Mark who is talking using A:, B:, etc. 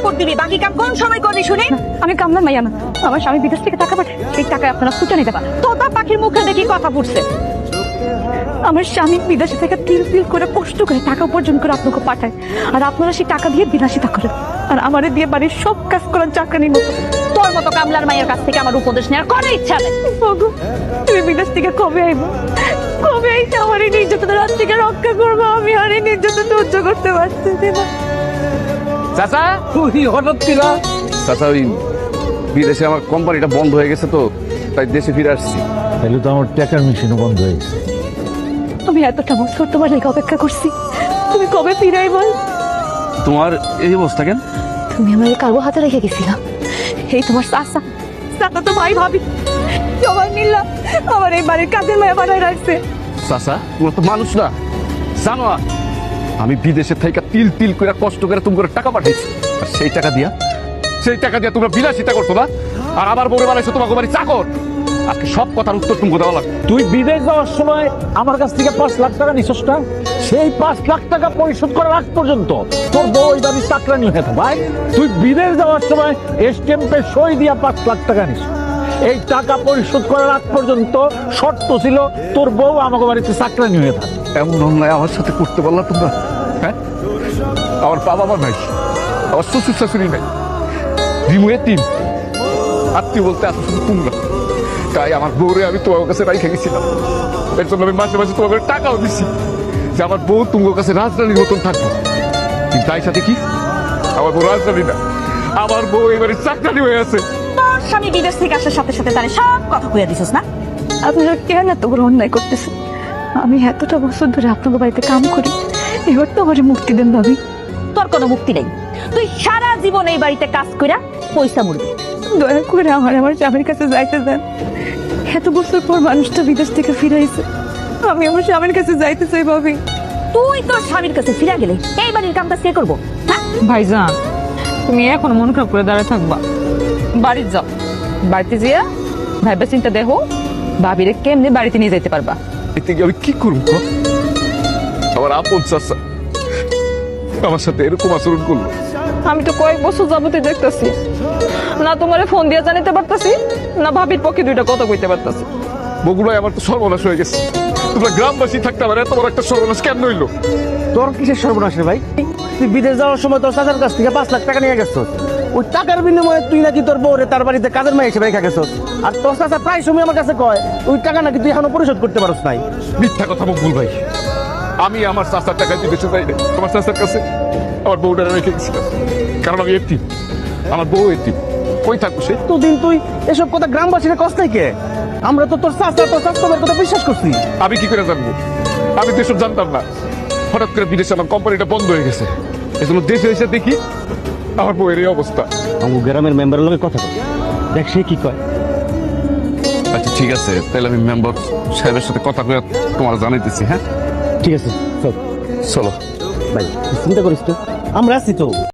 A: কাপড় দিবি, বাকি কাম কোন সময় করবি শুনি?
B: আমি কামলা মাইয়া না, আমার স্বামী বিদেশ থেকে টাকা পাঠায়, সেই টাকায় আপনারা ফুটানি দেবা।
A: তোতা পাখির মুখে দেখি কথা ফুটছে।
B: আমার স্বামী বিদেশে থেকে তিল তিল করে কষ্ট করে টাকা উপার্জন করে আপনাকে পাঠায়, আর আপনারা সেই টাকা দিয়ে বিলাসিতা করেন, আর আমারে দিয়ে বাড়ির সব কাজ করার চাকরানির মতো।
A: তোর মতো কামলার মায়ের কাছ থেকে আমার উপদেশ নেওয়ার কোনো ইচ্ছা নেই।
B: ওগো, তুমি বিদেশ থেকে কবে আইব? কবে আইতে আমার এই নির্যাতন রাত থেকে রক্ষা করবো? আমি আর এই নির্যাতন সহ্য করতে পারতেছি না।
C: চাচা তুই হঠাৎ কিরা? চাচা ওই বিদেশে আমার কোম্পানিটা বন্ধ হয়ে গেছে তো, তাই দেশে ফিরে আসছি।
D: তাহলে তো আমার টাকার মেশিনও বন্ধ হয়ে গেছে।
B: আমি এতটা বছর তোমার লেগে অপেক্ষা করছি, তুমি কবে ফিরাই বল?
C: তোমার এই অবস্থা কেন?
B: তুমি আমার কারো হাতে রেখে গেছিলাম, এই তোমার চাচা চাচা তো ভাই ভাবি সবাই মিললাম আমার এই বাড়ির কাজের মেয়ে বানায় রাখছে।
C: চাচা তোমরা তো মানুষ না, জানো না? আমি বিদেশে থেকে তিল তিল করে কষ্ট করে তুমি করে টাকা পাঠাইছি, আর সেই টাকা দিয়া তোমরা বিলাসিতা করছো না, আর আবার বলে বানাইছো তোমাকে বাড়ি চাকর। আজকে সব কথার উত্তর তুমি দেওয়া লাগবে।
D: তুই বিদেশ যাওয়ার সময় আমার কাছ থেকে 5 লাখ টাকা নিছস না? সেই 5 লাখ টাকা পরিশোধ করার আগ পর্যন্ত তোর বউ ওই বাড়ির চাকরানি হয়ে থাকে। ভাই তুই বিদেশ যাওয়ার সময় স্ট্যাম্পে সই দিয়া 5 লাখ টাকা নিস। এই টাকা পরিশোধ করার আগ পর্যন্ত শর্ত ছিল তোর বউ আমাকে বাড়িতে চাকরানি হয়ে থাকে।
C: এমন অন্যায় আমার সাথে করতে পারলা তোমরা? হ্যাঁ, আমার বাবা মা নাই, আমার শ্বশুর শাশুড়ি নাই, রিমু এতিম, আত্মীয় বলতে আসো শুধু তোমরা। তাই আমার বউরে আমি তোমার কাছে রাইখে গেছিলাম, এর জন্য আমি মাসে মাসে তোমাকে টাকাও দিছি যে আমার বউ তোমার কাছে রাজধানীর মতন থাকবো। কিন্তু তাই সাথে কি, আমার বউ রাজধানী না, আমার বউ এবারে চাকরানি হয়ে আছে।
A: তোর স্বামী বিদেশ থেকে আসার সাথে সাথে তারে সব কথা কইয়া দিছিস না?
B: আপনারা কেন এত বড় অন্যায় করতেছেন? আমি এতটা বছর ধরে আপনাদের বাড়িতে কাম করি, এবার তো আমার মুক্তি দেন ভাবি।
A: তোর কোনো মুক্তি নেই, তুই সারা জীবন এই বাড়িতে কাজ কইরা পয়সা মুড়বি।
B: দয়া করে আমার স্বামীর কাছে যাইতে দেন। এত বছর পর মানুষটা বিদেশ থেকে ফিরাইছে, আমি আমার স্বামীর কাছে যাইতে চাই ভাবি।
A: তুই তোর স্বামীর কাছে ফিরে গেলে এই বাড়ির কামটা কে করবো? হ্যাঁ?
B: ভাইজান, তুমি এখন মন খারাপ করে দাঁড়ায় থাকবা, বাড়িতে যাও। বাড়িতে যেয়া ভাইবা চিন্তা দেখো ভাবিরে কেমনি বাড়িতে নিয়ে যেতে পারবা।
C: এতে গিয়ে আমি কি করবো? আমার আপন চাচা আমার সাথে এরকম আচরণ করলো।
B: আমি তো কয়েক বছর যাবতীয় দেখতেছি, না তোমারে ফোন দিয়ে জানিতে পারতাছি, না ভাবির পক্ষে দুইটা কথা কইতে পারতাছি।
C: বগুড়ায় আমার তো সর্বনাশ হয়ে গেছে। তোমরা গ্রামবাসী থাকতে আমার এত বড় একটা সর্বনাশ কেন হইলো?
E: তোর কিসের সর্বনাশ রে ভাই? তুই বিদেশ যাওয়ার সময় তোর চাচার কাছ থেকে 5 লাখ টাকা নিয়ে গেছস। ওই টাকার বিনিময়ে তুই নাকি তোর বউরে তার বাড়িতে কাজের মেয়ে হিসেবে রেখে গেছস। আর তোর চাচা প্রায় সময় আমার কাছে কয় ওই টাকা নাকি তুই এখনো পরিশোধ করতে পারছ নাই।
C: মিথ্যা কথা বকুল ভাই, আমি আমার চাচার টাকা বিদেশে যাই না। আমার চাচার কাছে আমার বউটা রেখে গেছিলাম, কারণ আমি এতিম, আমার বউ এতিম। কই থাকবো সে?
E: এতদিন তুই এসব কথা গ্রামবাসীরা কষ্ট থেকে, আমরা তো তোর চাচা তোর চাচার কথা বিশ্বাস করছি।
C: আমি কি করে জানবো? আমি তো এসব জানতাম না। হঠাৎ করে বিদেশে আমার কোম্পানিটা বন্ধ হয়ে গেছে, এজন্য দেশে এসে দেখি আমার বউয়ের এই অবস্থা।
E: আমার গ্রামের মেম্বারের লগে কথা বল, দেখ সে কি কয়।
C: আচ্ছা ঠিক আছে, তাহলে আমি মেম্বার সাহেবের সাথে কথা বলে তোমার জানাইতেছি। হ্যাঁ
E: ঠিক আছে, চল
C: চলো।
E: ভাই, চিন্তা করিস তো, আমরা আছি তো।